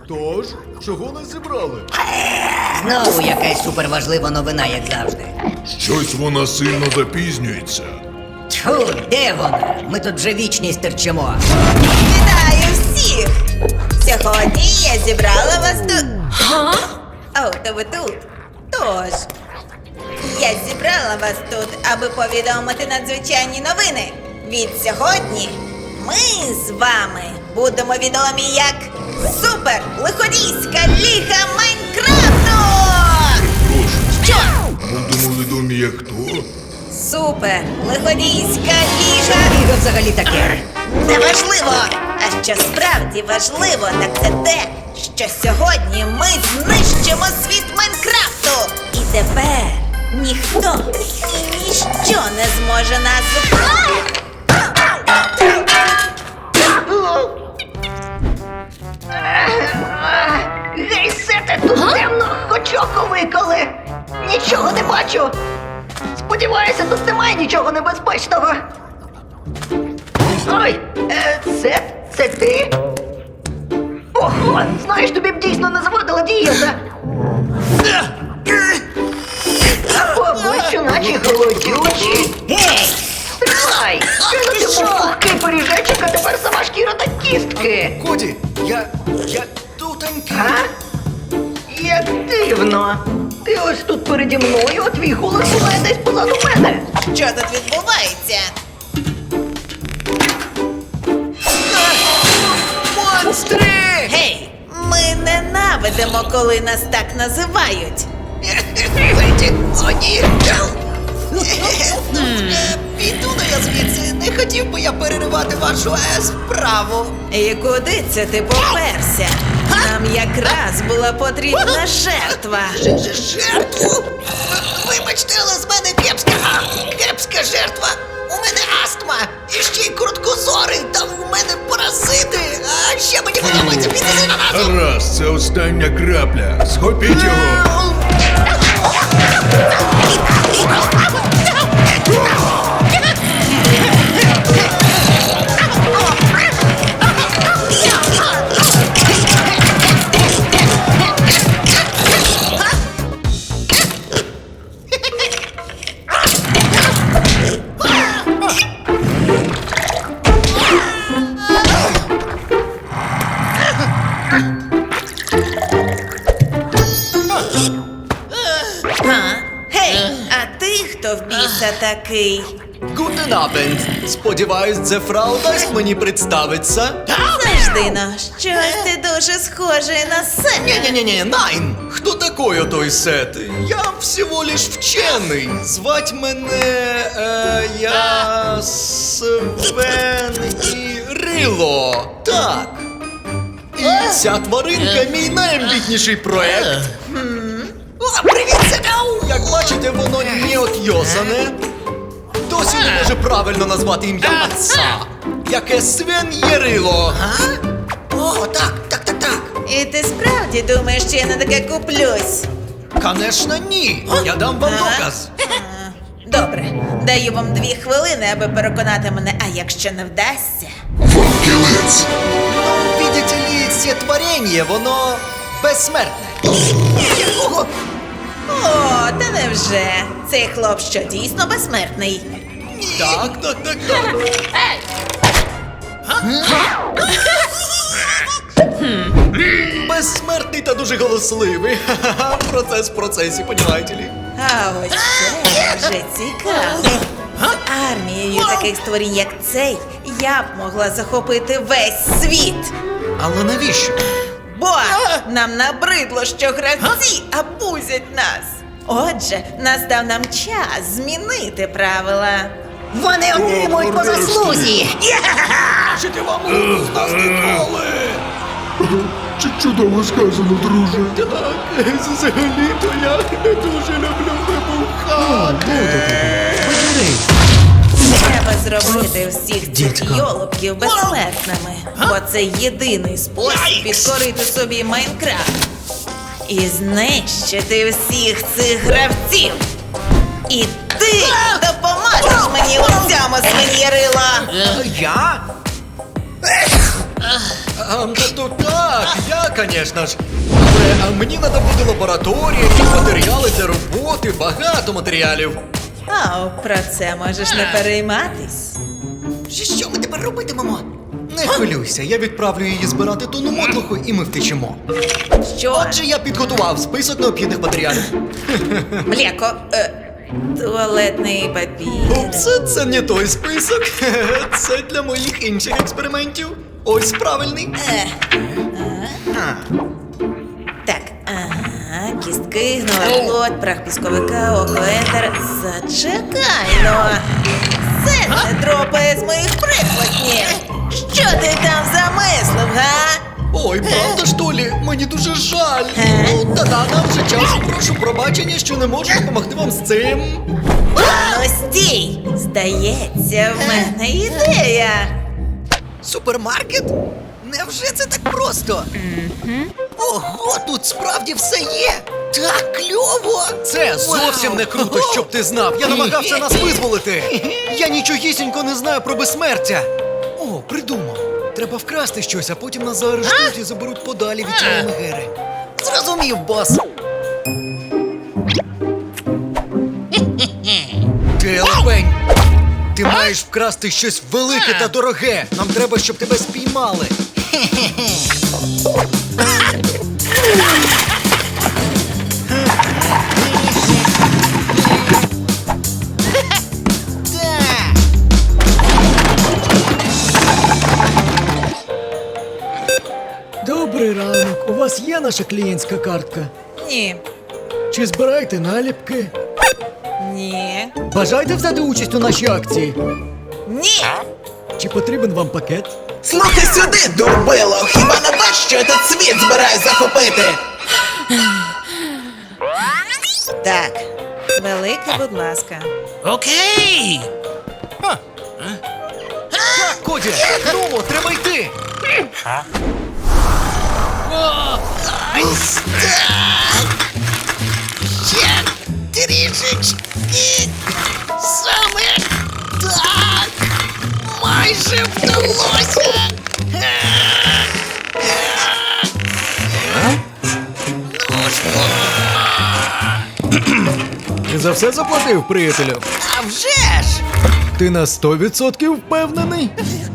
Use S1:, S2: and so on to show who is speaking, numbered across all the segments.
S1: Тож, чого нас зібрали?
S2: Знову якась суперважлива новина, як завжди.
S3: Щось вона сильно запізнюється.
S2: Тьфу, де вона? Ми тут вже вічність терчимо.
S4: Вітаю всіх! Сьогодні я зібрала вас тут. О, то ви тут. Тож, я зібрала вас тут, аби повідомити надзвичайні новини. Від сьогодні ми з вами будемо відомі як Супер Лиходійська Ліга Майнкрафту!
S3: Прошу,
S4: Що?
S3: будемо відомі як хто?
S4: Супер Лиходійська Ліга!
S2: Що взагалі таке?
S4: Неважливо! А що справді важливо, так це те, що сьогодні ми знищимо світ Майнкрафту! І тепер ніхто і ніщо не зможе нас зупинити!
S5: Гей, Сете, тут темно, хоч око виколи. Нічого не бачу. Сподіваюся, тут немає нічого небезпечного. Ой, це ти? Ого, знаєш, тобі б дійсно не завадила дієта. По обличчю наче голодючі.
S2: Гей!
S5: Стривай! Кинути був пухкий пиріжечок, а тепер сама шкіра та кістки.
S1: Коді, я тутенький.
S5: А? Як дивно. Ти ось тут переді мною, а твій голос буває десь позаду мене.
S4: Що тут відбувається?
S1: Монстри!
S4: Гей! Ми ненавидимо, коли нас так називають.
S5: О, ні. Піду-на я звідси. Не хотів би я переривати вашу справу.
S4: І куди це ти поперся? Нам якраз була потрібна жертва.
S5: Жертву? Вибачте, але з мене кепська жертва. У мене астма, і ще й короткозорий, там у мене паразити. А ще мені подобається піти з ананасом.
S3: Гаразд, це остання крапля. Схопіть його.
S4: Гей, а ти хто в біса такий?
S1: Гутен Абенд. Сподіваюсь, це фрау дасть мені представиться.
S4: Завжди, но, щось ти дуже схожий на себе.
S1: Не-не-не, Найн! Кто такой той Сет? Я всего лишь вчений. Звать мене, я Свен і Рило. Так. І ця тваринка мій найамбітніший проект.
S5: Привіт, Сетау!
S1: Як бачите, воно не отйосане. Досі не може правильно назвати ім'я отца. Яке Свен є Рило.
S5: О, так.
S4: І ти справді думаєш, що я на таке куплюсь?
S1: Конечно, ні. Я дам вам доказ.
S4: Добре, даю вам 2 хвилини, аби переконати мене, а якщо не вдасться.
S3: Факелець.
S1: Ну, видите ли, це творіння, воно безсмертне.
S5: Якого?
S4: О, та невже? Цей хлоп що, дійсно безсмертний?
S1: Так. Безсмертний та дуже голосливий. Ха-ха-ха, процес в процесі, понімаєте ли?
S4: А ось це вже цікаво. З армією таких створінь, як цей, я б могла захопити весь світ.
S1: Але навіщо?
S4: Бо нам набридло, що гравці абузять нас. Отже, настав нам час змінити правила.
S5: Вони отримують по заслузі.
S1: Жити вам руку з нас ніколи!
S3: Чудово сказано, друже.
S1: Так, взагалі-то я не дуже люблю вибухати.
S4: Треба зробити всіх цих йолопків безсмертними, бо це єдиний спосіб підкорити собі Майнкрафт і знищити всіх цих гравців. І ти допоможеш мені у цьому, свиньярила!
S1: Я? Тобто так, я, звісно ж. Але мені треба буде лабораторія, якісь матеріали для роботи, багато матеріалів.
S4: Про це можеш не перейматись.
S5: Що ми тепер робитимемо?
S1: Не хвилюйся, я відправлю її збирати тонну мотлуху і ми втечемо.
S4: Що?
S1: Отже, я підготував список необхідних матеріалів.
S4: Млеко, туалетний папір.
S1: Упс, це не той список. Це для моїх інших експериментів. Ось правильний.
S4: Так, кістки, гнилий плод, прах пісковика, окоентер. Зачекай, ну. Це не дропає з моїх прихвостнів. Що ти там замислив, га?
S1: Ой, правда ж, Толі? Мені дуже жаль. Ну, та-да, нам вже час. Прошу пробачення, що не можу допомогти вам з цим.
S4: Ну стій! Здається, в мене ідея.
S5: Супермаркет? Невже це так просто? Ого, тут справді все є! Так кльово!
S1: Це зовсім не круто, щоб ти знав. Я намагався нас визволити. Я нічогісінько не знаю про безсмертя. О, придумав. Треба вкрасти щось, а потім нас заарештують і заберуть подалі від цієї мегери.
S5: Зрозумів, бос!
S1: Ти лапень! Ти маєш вкрасти щось велике та дороге. Нам треба, щоб тебе спіймали.
S5: Так!
S6: Добрий ранок. У вас є наша клієнтська картка?
S4: Ні.
S6: Чи збираєте наліпки?
S4: Ні.
S6: Бажаєте взяти участь у нашій акції?
S4: Ні!
S6: Чи потрібен вам пакет?
S7: Слухай сюди, дурбило! Хіба не бачиш, що я тут світ збираюсь захопити?
S4: Так, велике, будь ласка.
S7: Окей!
S1: Так, Коді, ну, треба йти.
S5: Ось так! Ще трішечки! Саме так! Майже вдалося! Ну ж,
S6: Ти за все заплатив, приятелю?
S5: а вже ж!
S6: Ти на 100% впевнений?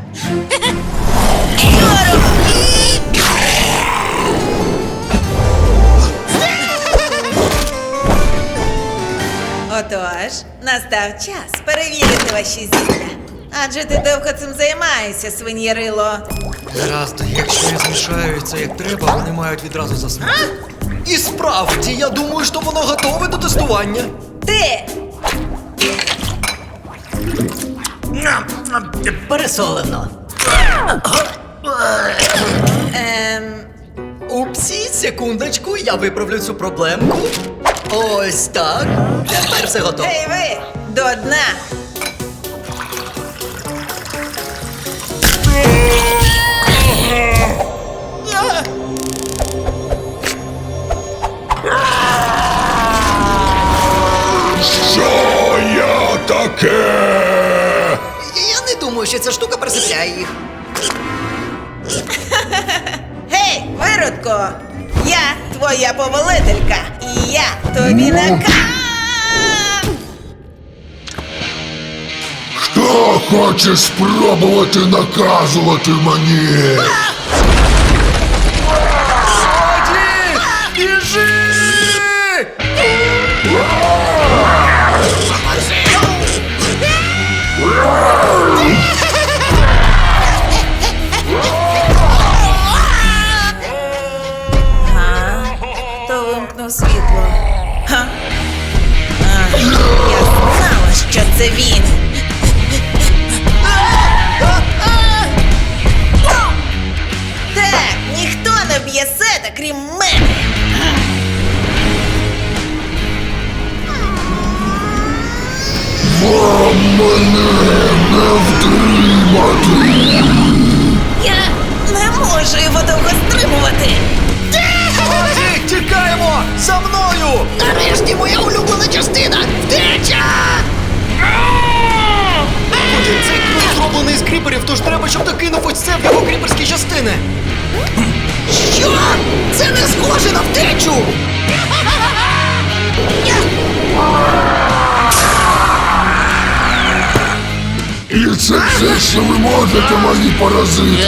S4: Отож, настав час перевірити ваші зілля. Адже ти довго цим займаєшся, свиньєрило.
S1: Гаразд, якщо я змішаю це як треба, вони мають відразу заснути. І справді, я думаю, що воно готове до тестування.
S4: Ти!
S2: Пересолено.
S1: Упсі, секундочку, я виправлю цю проблемку. Ось так. Тепер все готово.
S4: Ей ви! До дна!
S3: Що я таке?
S5: Я не думаю, що ця штука присипляє їх.
S4: Гей, виродко! Я твоя повелителька, і я тобі
S3: Хто хоче спробувати наказувати мені?
S1: Коді! Біжи!
S4: То вимкнув світло. Га? Я знала, що це він. Так, ніхто не б'є сета, крім мене.
S3: Вам мене не втримати!
S4: Я не можу його довго стримувати.
S1: Коді, тікаємо! За мною!
S5: Нарешті моя улюблена частина! Втеча!
S1: Коді, цей ключ зроблений з кріп кріперів, тож треба, щоб ти кинув ось це в його кріперські частини.
S5: Що? Це не схоже на втечу!
S3: І це все, що ви можете, мої паразити.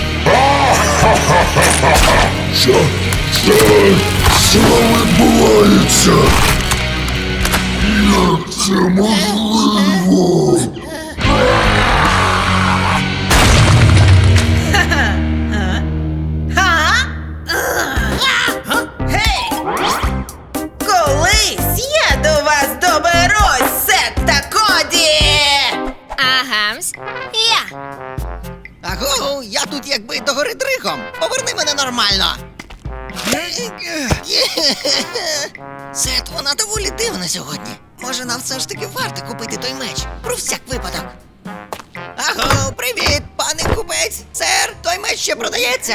S3: Що відбувається? Як це можливо?
S4: Гей! Колись я до вас доберусь, Сет та Коді!
S8: Агамс, я.
S5: Аго, я тут якби догори дригом. Поверни мене нормально. Сет, вона доволі дивна сьогодні. Може, нам все ж таки варто купити той меч? Про всяк випадок. Аго, привіт, пане купець. Сер, той меч ще продається.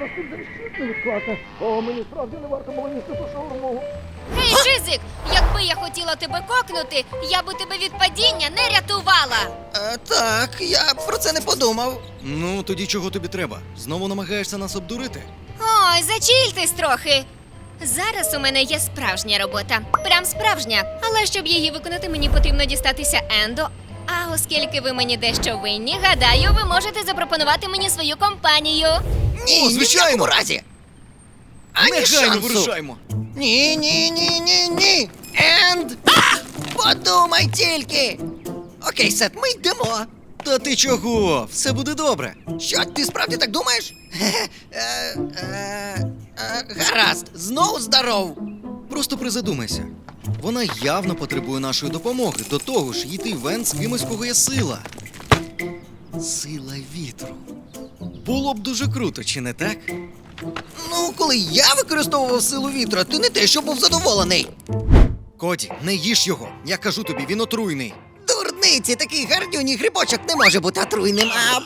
S8: Гей, Шизик, якби я хотіла тебе кокнути, я би тебе від падіння не рятувала.
S5: Так, я про це не подумав.
S1: Ну, тоді чого тобі треба? Знову намагаєшся нас обдурити?
S8: Ой, зачільтесь трохи. Зараз у мене є справжня робота. Прям справжня. Але щоб її виконати, мені потрібно дістатися Ендо. А оскільки ви мені дещо винні, гадаю, ви можете запропонувати мені свою компанію.
S5: Ні,
S1: О,
S5: ні в
S1: звичайно.
S5: якому разі. Ані
S1: Негайно
S5: шансу.
S1: вирушаймо.
S5: Ні. Енд! Подумай тільки. Окей, Сет, ми йдемо.
S1: Та ти чого? Все буде добре.
S5: Що, ти справді так думаєш? Гаразд, знову здоров.
S1: Просто призадумайся. Вона явно потребує нашої допомоги. До того ж, йти в Енд з кимось, кого є сила. Сила вітру. Було б дуже круто, чи не так?
S5: Ну, коли я використовував силу вітра, ти не те, що був задоволений.
S1: Коді, не їж його. Я кажу тобі, він отруйний.
S5: Дурниці, такий гарнюній грибочок не може бути отруйним, а...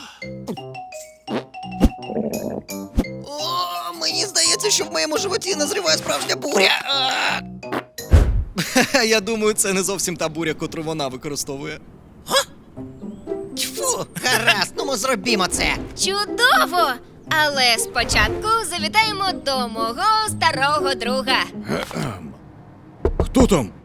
S5: О, мені здається, що в моєму животі назріває справжня буря.
S1: Я думаю, це не зовсім та буря, котру вона використовує.
S5: Тьфу, гаразд, ну ми зробімо це.
S8: Чудово! Але спочатку завітаємо до мого старого друга.
S6: Хто там?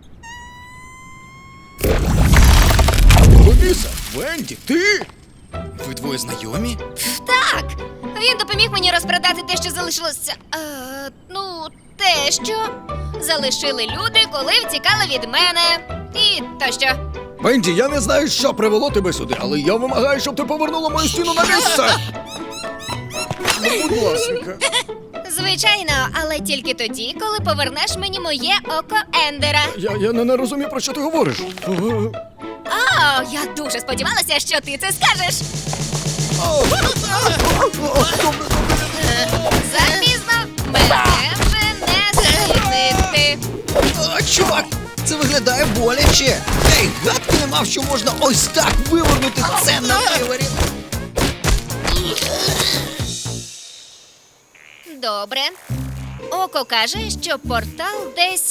S6: Ловіса, Венді, ти?
S1: Ви двоє знайомі?
S8: Так, він допоміг мені розпродати те, що залишилося. Те, що залишили люди, коли втікали від мене. І тощо.
S6: Венді, я не знаю, що привело тебе сюди, але я вимагаю, щоб ти повернула мою стіну на місце. Ну, будь ласка.
S8: Звичайно, але тільки тоді, коли повернеш мені моє око Ендера.
S6: Я не розумію, про що ти говориш.
S8: О, я дуже сподівалася, що ти це скажеш. Запізно, мене вже не зупинити.
S5: О, чувак, це виглядає боляче. Ей, гадки не мав, що можна ось так вивернути це на виворі.
S8: Добре. Око каже, що портал десь.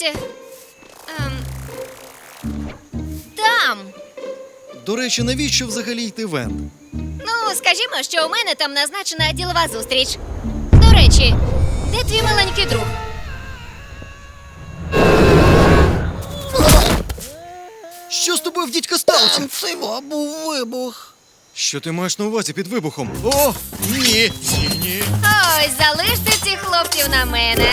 S8: Там.
S1: До речі, навіщо взагалі йти в Енд?
S8: Ну, скажімо, що у мене там назначена ділова зустріч. До речі, де твій маленький друг?
S1: Що з тобою в дідька сталося?
S5: Це був вибух.
S1: Що ти маєш на увазі під вибухом? О, ні! Ні.
S8: Ой, залиште цих хлопців на мене.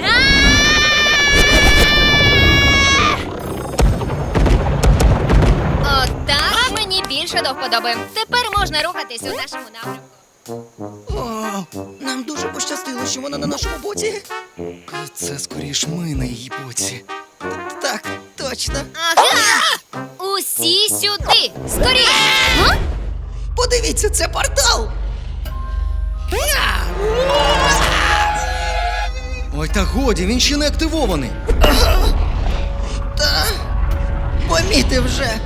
S8: Отак мені більше до вподоби. Тепер можна рухатись у нашому напрямку.
S5: О, нам дуже пощастило, що вона на нашому боці.
S1: Це скоріш ми на її боці.
S5: Так, точно.
S8: Ага! Усі сюди! Скоріше! Га?
S5: Подивіться, це портал.
S1: Ой, та годі, він ще не активований.
S5: Та помітив вже.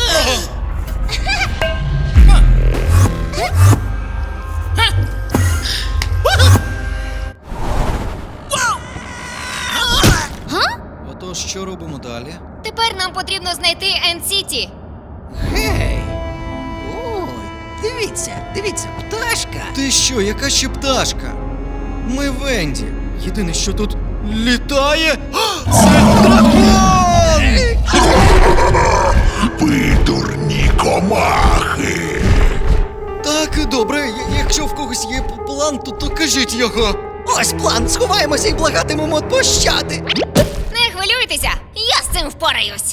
S1: Отож, що робимо далі?
S8: Тепер нам потрібно знайти Енд-Сіті.
S5: Гей! Ой, Дивіться, пташка.
S1: Ти що, яка ще пташка? Ми Венді. Єдине, що тут літає. А, це дракон!
S3: Ви дурні комахи.
S1: Так, добре, якщо в когось є план, то кажіть його.
S5: Ось план, сховаємося і благатимемо пощади.
S8: Не хвилюйтеся, я з цим впораюсь.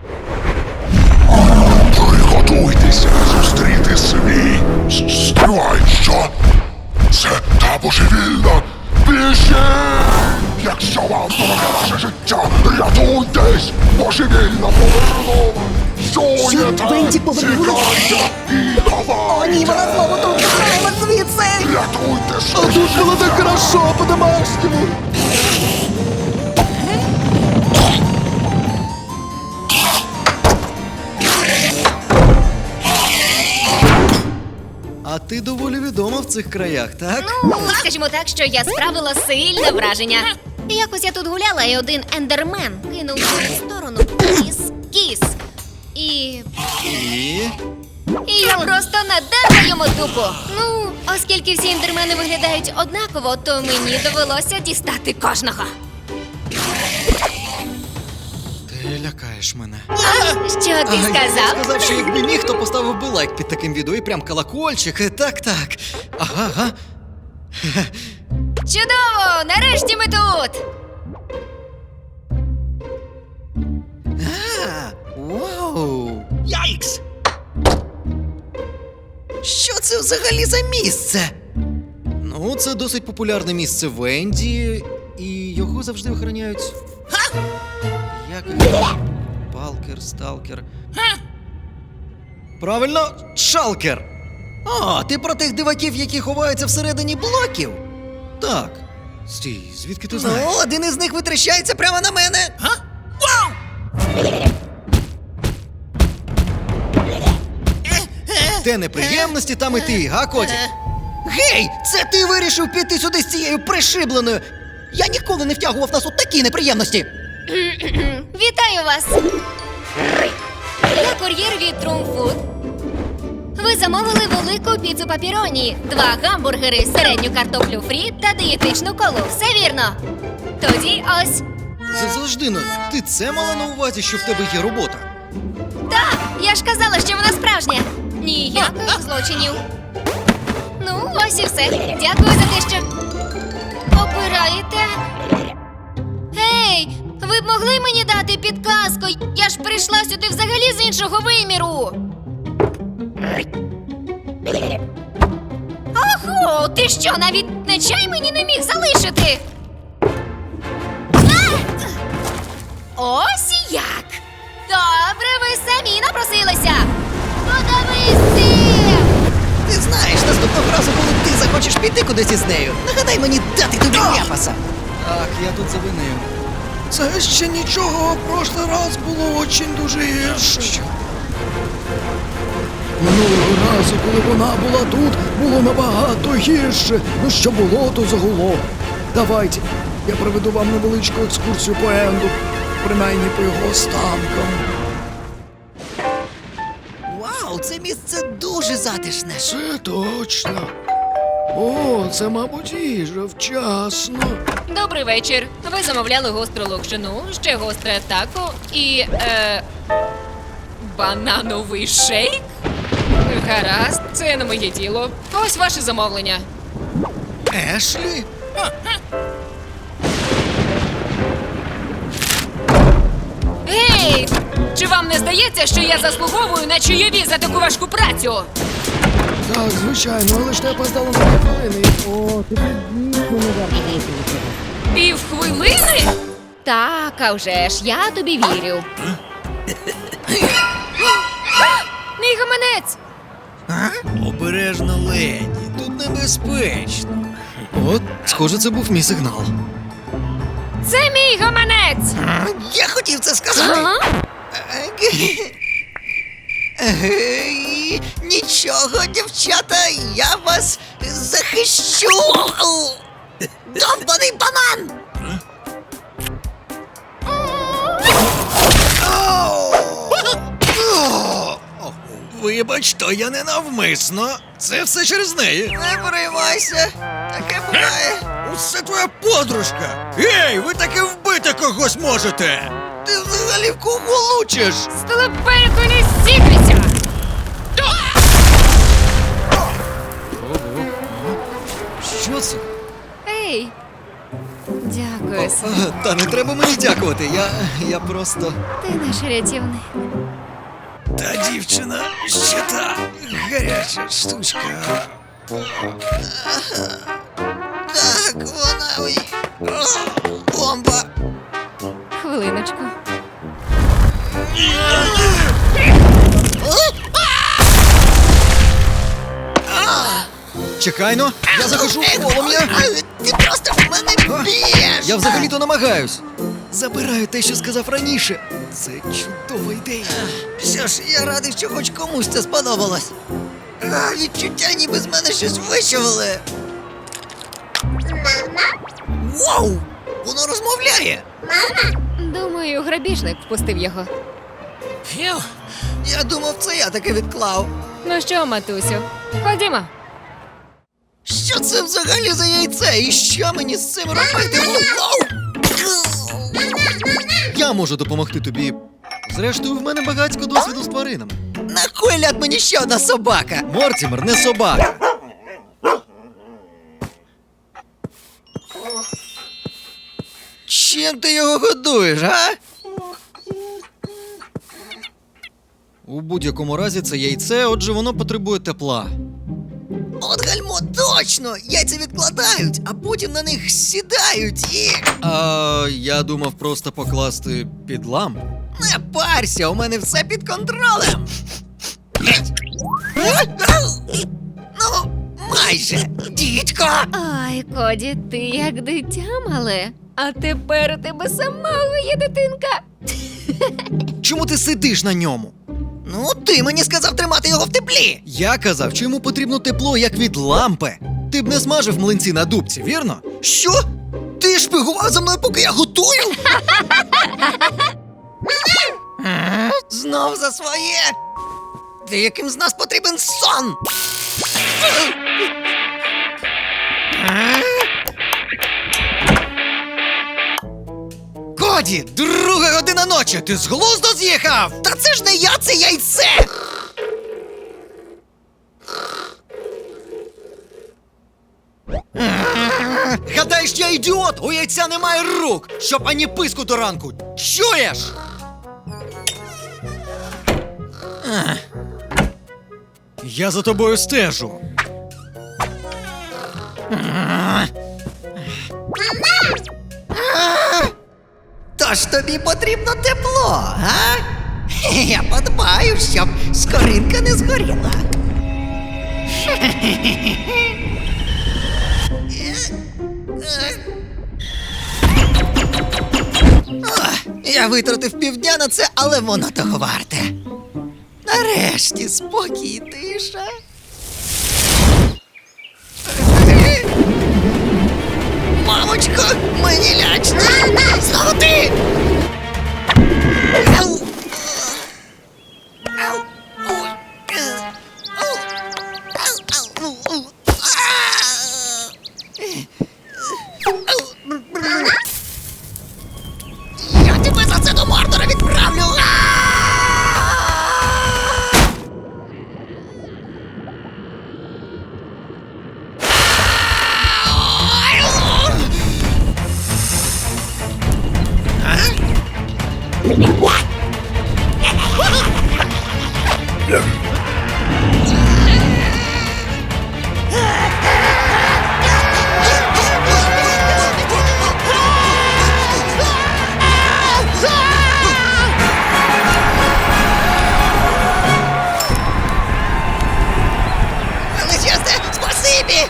S3: Приготуйтеся зустріти свій. Стривай, що? Це та божевільна. Біжіть! Якщо вам дороге ваше життя, рятуйтесь! Божевільна повернула! Чуєте?
S5: Венді повернула?
S3: Тікайте і ховайтеся!
S5: О, ні, вона знову тут, тікаємо звідси!
S3: Рятуйте
S6: А
S3: своє
S6: тут було так
S3: життя!
S6: хорошо по-домашньому.
S1: А ти доволі відома в цих краях, так?
S8: Ну, скажімо так, що я справила сильне враження. Якось я тут гуляла, і один ендермен кинув в мою сторону кіс. І я просто надерла йому дупу. Ну, оскільки всі ендермени виглядають однаково, то мені довелося дістати кожного.
S1: Ти лякаєш мене.
S8: Що ти
S1: Я
S8: сказав?
S1: сказав, що якби міг, то поставив би лайк під таким відео і прям колокольчик. Так. Ага.
S8: Чудово! Нарешті ми тут!
S1: Вау!
S5: Яйкс! Що це взагалі за місце?
S1: Ну, це досить популярне місце Венді, і його завжди охороняють. Як Палкер, сталкер. Правильно, шалкер.
S5: О, ти про тих диваків, які ховаються всередині блоків?
S1: Так. Стій, звідки ти знаєш?
S5: Ну, один із них витріщається прямо на мене. Вау!
S1: Де неприємності, там і ти, га, Коді?
S5: Гей, це ти вирішив піти сюди з цією пришибленою. Я ніколи не втягував нас у такі неприємності.
S8: Вітаю вас! Я кур'єр від Трумфуд. Ви замовили велику піцу папіроні, 2 гамбургери, середню картоплю фрі та дієтичну колу. Все вірно? Тоді ось.
S1: Завжди, ну, ти це мала на увазі, що в тебе є робота?
S8: Так, я ж казала, що вона справжня. Ніяких злочинів. Ну, ось і все. Дякую за те, що обираєте. Гей, ви б могли мені дати підказку? Я ж прийшла сюди взагалі з іншого виміру. Охо, ти що, навіть на чай мені не міг залишити? А! Ось як. Добре, ви самі напросилися. Подивись цим!
S5: Ти знаєш, наступного разу, коли ти захочеш піти кудись із нею, нагадай мені дати тобі ляпаса.
S1: Так, я тут завинив.
S6: Це ще нічого, в прошлий раз було очень дуже гірше.
S1: Що?
S6: Минулого разу, коли вона була тут, було набагато гірше. Ну що було, то загуло. Давайте, я проведу вам невеличку екскурсію по Енду, принаймні по його останкам.
S5: Вау, це місце дуже затишне.
S6: Це точно. О, це, мабуть, їжа вчасно.
S8: Добрий вечір. Ви замовляли гостру локшину, ще гостре тако і банановий шейк? Гаразд, це не моє діло. Ось ваше замовлення.
S1: Ешлі?
S8: Гей! Чи вам не здається, що я заслуговую на чайові за таку важку працю?
S6: Так, звичайно, але ж ти опоздала на 2 хвилини. О, тобі дійсно не варто було цього.
S8: Півхвилини? Так, а вже ж, я тобі вірю. Мій гаманець!
S1: Обережно, леді, тут небезпечно. От, схоже, це був мій сигнал.
S8: Це мій гаманець!
S5: Я хотів це сказати.
S8: Ага.
S5: Нічого, дівчата, я вас захищу. Довбаний банан!
S1: Вибач, то я не навмисно. Це все через неї.
S5: Не переймайся, таке буває.
S1: Усе твоя подружка. Ей, ви таки вбити когось можете.
S5: Ти взагалі в кого лучиш?
S8: З телепельку не сіпляться!
S1: Що це?
S8: Ей! Дякую, Сем.
S1: Та не треба мені дякувати. Я просто.
S8: Ти наш рятівник.
S1: Та дівчина ще та гаряча штучка.
S5: Так, вона ой. О, бомба.
S8: Хвилиночку.
S1: Чекайно, я захожу в полум'я.
S5: Ти просто в мене б'єш.
S1: Я взагалі-то намагаюсь. Забираю те, що сказав раніше. Це чудова ідея.
S5: Що ж, я радий, що хоч комусь це сподобалось. Відчуття, ніби з мене щось вищували. Вау! Воно розмовляє!
S8: Думаю, грабіжник впустив його.
S5: Фью, я думав, це я таке відклав.
S8: Ну що, матусю, ходімо.
S5: Що це взагалі за яйце? І що мені з цим робити? Вау!
S1: Я можу допомогти тобі. Зрештою, в мене багатько досвіду з тваринами.
S5: На кой ляд мені ще одна собака?
S1: Мортімер не собака.
S5: Чим ти його годуєш, а?
S1: У будь-якому разі це яйце, отже, воно потребує тепла.
S5: От гальмо, точно! Яйця відкладають, а потім на них сідають і...
S1: А я думав просто покласти під лампу.
S5: Не парся, у мене все під контролем. Ну, майже, дідько!
S8: Ай, Коді, ти як дитя мале. А тепер у тебе самого є дитинка.
S1: Чому ти сидиш на ньому?
S5: Ну, ти мені сказав тримати його в теплі.
S1: Я казав, що йому потрібно тепло, як від лампи. Ти б не смажив млинці на дубці, вірно?
S5: Що? Ти шпигував за мною, поки я готую? Знов за своє. Деяким з нас потрібен сон.
S1: Коді, 2:00 ночі, ти з глузду з'їхав?
S5: Та це ж не я, це яйце.
S1: Гадаєш, я ідіот? У яйця немає рук, щоб ані писку до ранку. Чуєш? Я за тобою стежу.
S5: Тож тобі потрібно тепло, а? Я подбаю, щоб скоринка не згоріла. Я витратив півдня на це, але воно того варте. Нарешті спокій і тиша. Мамочко, мені лячно. Знову ти! Ау! Ау! Ой! Ау! Ау! Ау! Ау! Я тебе за це до Мордора відправлю! Величезне спасибі!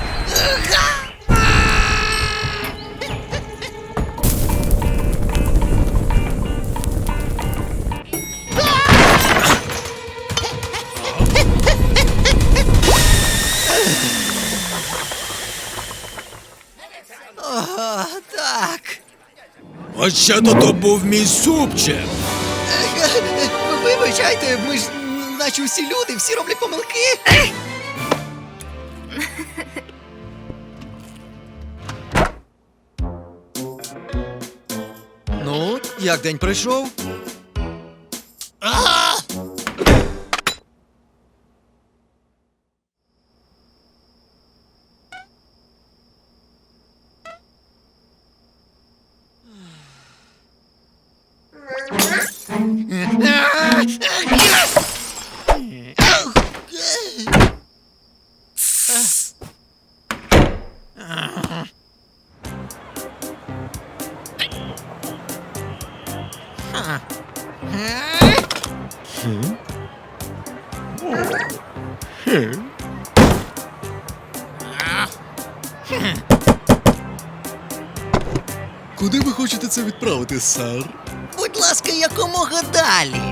S5: О, так.
S1: А ще то був мій супчик.
S5: Вибачайте, ми ж наче усі люди, всі роблять помилки.
S1: Ну, як день пройшов?
S6: Куди ви хочете це відправити, сер?
S5: Будь ласка, якомога далі.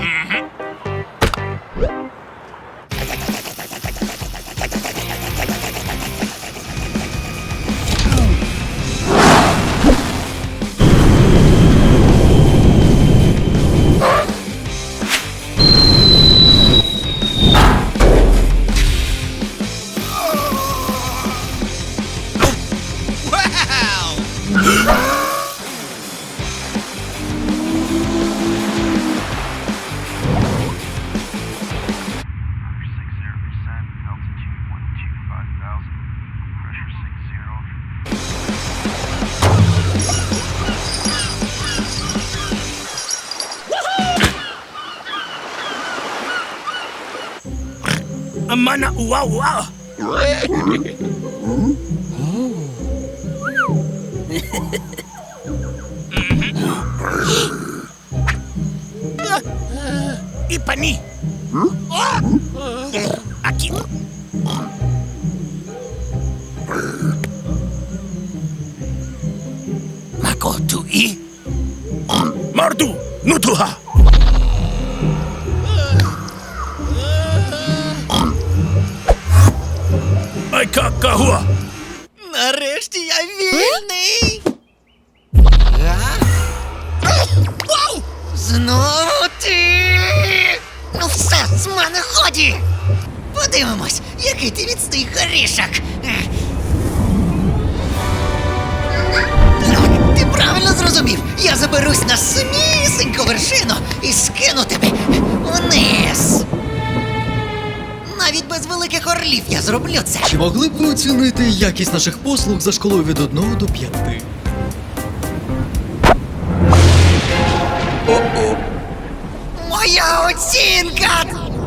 S7: Mana wow. Ipani. Aqui. Mako tu i. Mardu nutuha. Ay kakahua.
S5: Нарешті я вільний. Вау! Знову ти! Ну все, з мене ході! Подивимось, який ти міцний горішок. Ти правильно зрозумів. Я заберусь на самісіньку вершину і скину тебе вниз. Навіть без великих орлів я зроблю це.
S1: Чи могли б ви оцінити якість наших послуг за шкалою від 1 до 5?
S5: Моя оцінка!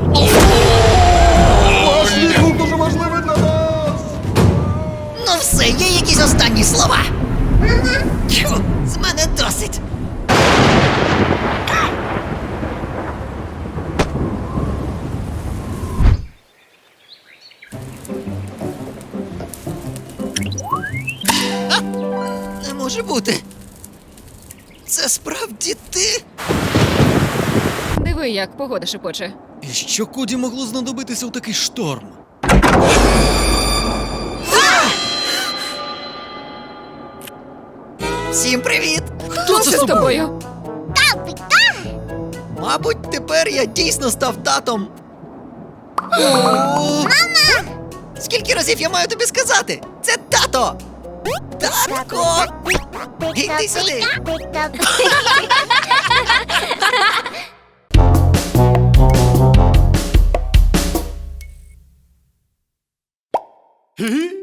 S6: Ваш відгук дуже важливий для нас!
S5: Ну все, є якісь останні слова? Тьфу, з мене досить. А, не може бути. Це справді ти?
S8: Диви, як погода шепоче.
S1: І що Коді могло знадобитися у такий шторм?
S5: Всім привіт!
S1: Хто це з тобою?
S5: Мабуть, тепер я дійсно став татом. Мама! Скільки разів я маю тобі сказати? Це тато! Татко! Іди сюди!
S6: Гі?